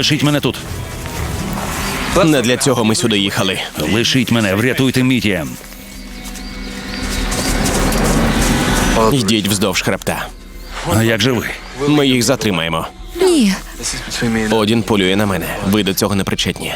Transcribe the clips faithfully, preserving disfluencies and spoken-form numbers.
Залишіть мене тут. Не для цього ми сюди їхали. Лишіть мене, врятуйте Мітія. Йдіть вздовж хребта. А як же ви? Ми їх затримаємо. Ні. Одін полює на мене. Ви до цього не причетні.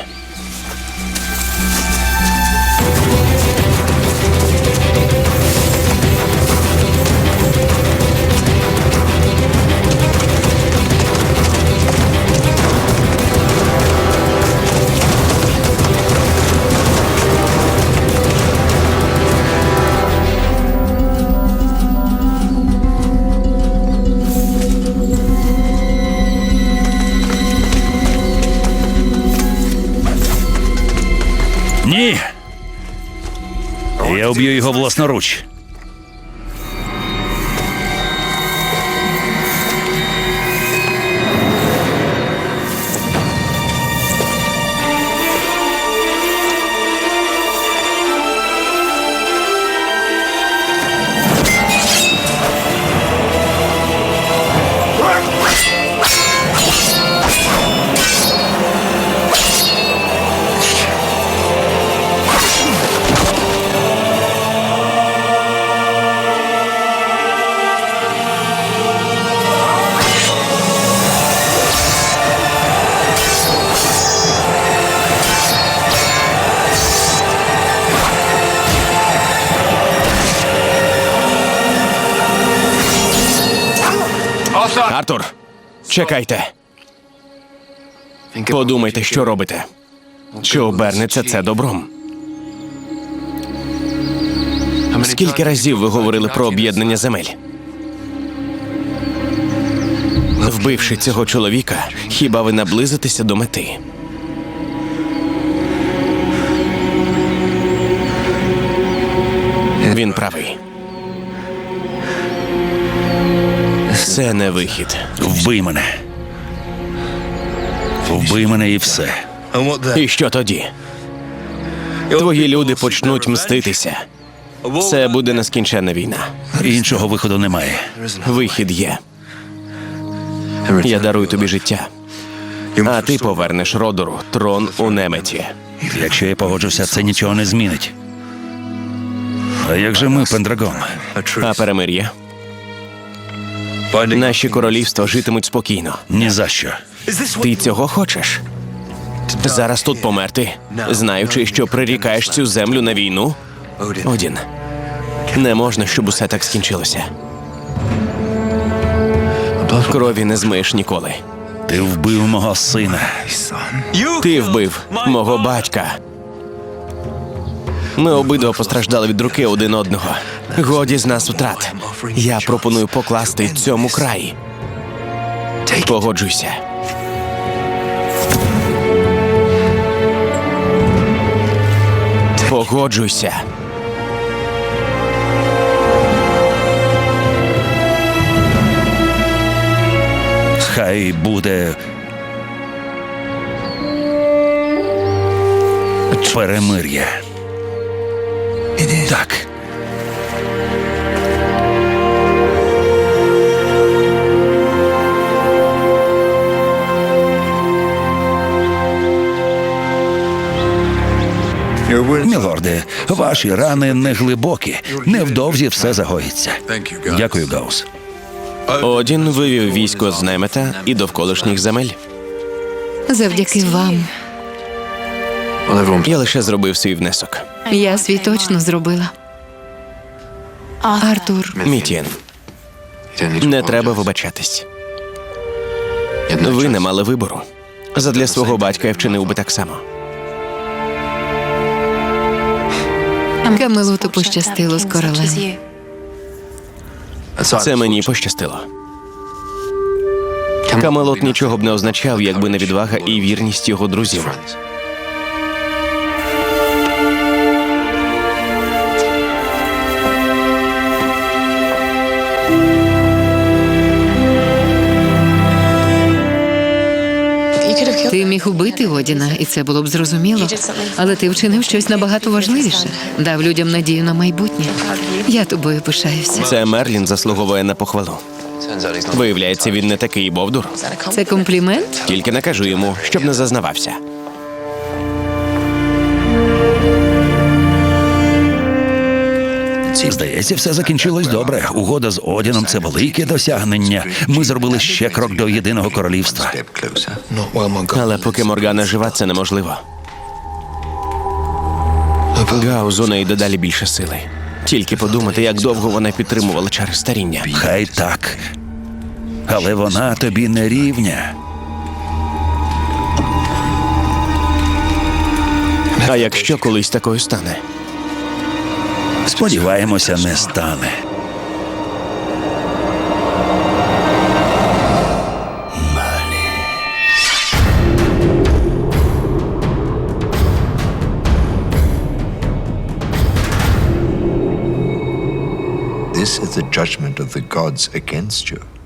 Ні! Я вб'ю його власноруч. Артур, чекайте. Подумайте, що робите. Чи обернеться це добром? Скільки разів ви говорили про об'єднання земель? Вбивши цього чоловіка, хіба ви наблизитеся до мети? Він правий. Це не вихід. Вбий мене. Вбий мене і все. І що тоді? Твої люди почнуть мститися. Це буде нескінченна війна. Іншого виходу немає. Вихід є. Я дарую тобі життя. А ти повернеш Родору трон у Неметі. Якщо я погоджуся, це нічого не змінить. А як же ми, Пендрагон? А перемир'я? Наші королівства житимуть спокійно. Ні за що. Ти цього хочеш? Зараз тут померти, знаючи, що прирікаєш цю землю на війну? Одін, не можна, щоб усе так скінчилося. Крові не змиєш ніколи. Ти вбив мого сина. Ти вбив мого батька. Ми обидва постраждали від руки один одного. Годі з нас втрат. Я пропоную покласти цьому край. Погоджуйся. Погоджуйся. Хай буде перемир'я. Так. Мілорде, ваші рани не глибокі. Невдовзі все загоїться. Дякую, Гаус. Одін вивів військо з Немета і довколишніх земель. Завдяки вам. Я лише зробив свій внесок. Я свій точно зробила. Артур, Мітієн, не треба вибачатись. Ви не мали вибору. Задля свого батька я вчинив би так само. Камелоту пощастило з королем. Це мені пощастило. Камелот нічого б не означав, якби не відвага і вірність його друзів. Ти міг убити Одіна, і це було б зрозуміло. Але ти вчинив щось набагато важливіше. Дав людям надію на майбутнє. Я тобою пишаюся. Це Мерлін заслуговує на похвалу. Виявляється, він не такий бовдур. Це комплімент? Тільки не кажу йому, щоб не зазнавався. Здається, все закінчилось добре. Угода з Одіном – це велике досягнення. Ми зробили ще крок до єдиного королівства. Але поки Моргана жива, це неможливо. Гаузу неї дедалі більше сили. Тільки подумати, як довго вона підтримувала чари старіння. Хай так. Але вона тобі не рівня. А якщо колись такою стане? Сподіваємося, не стане. This is the judgment of the gods against you.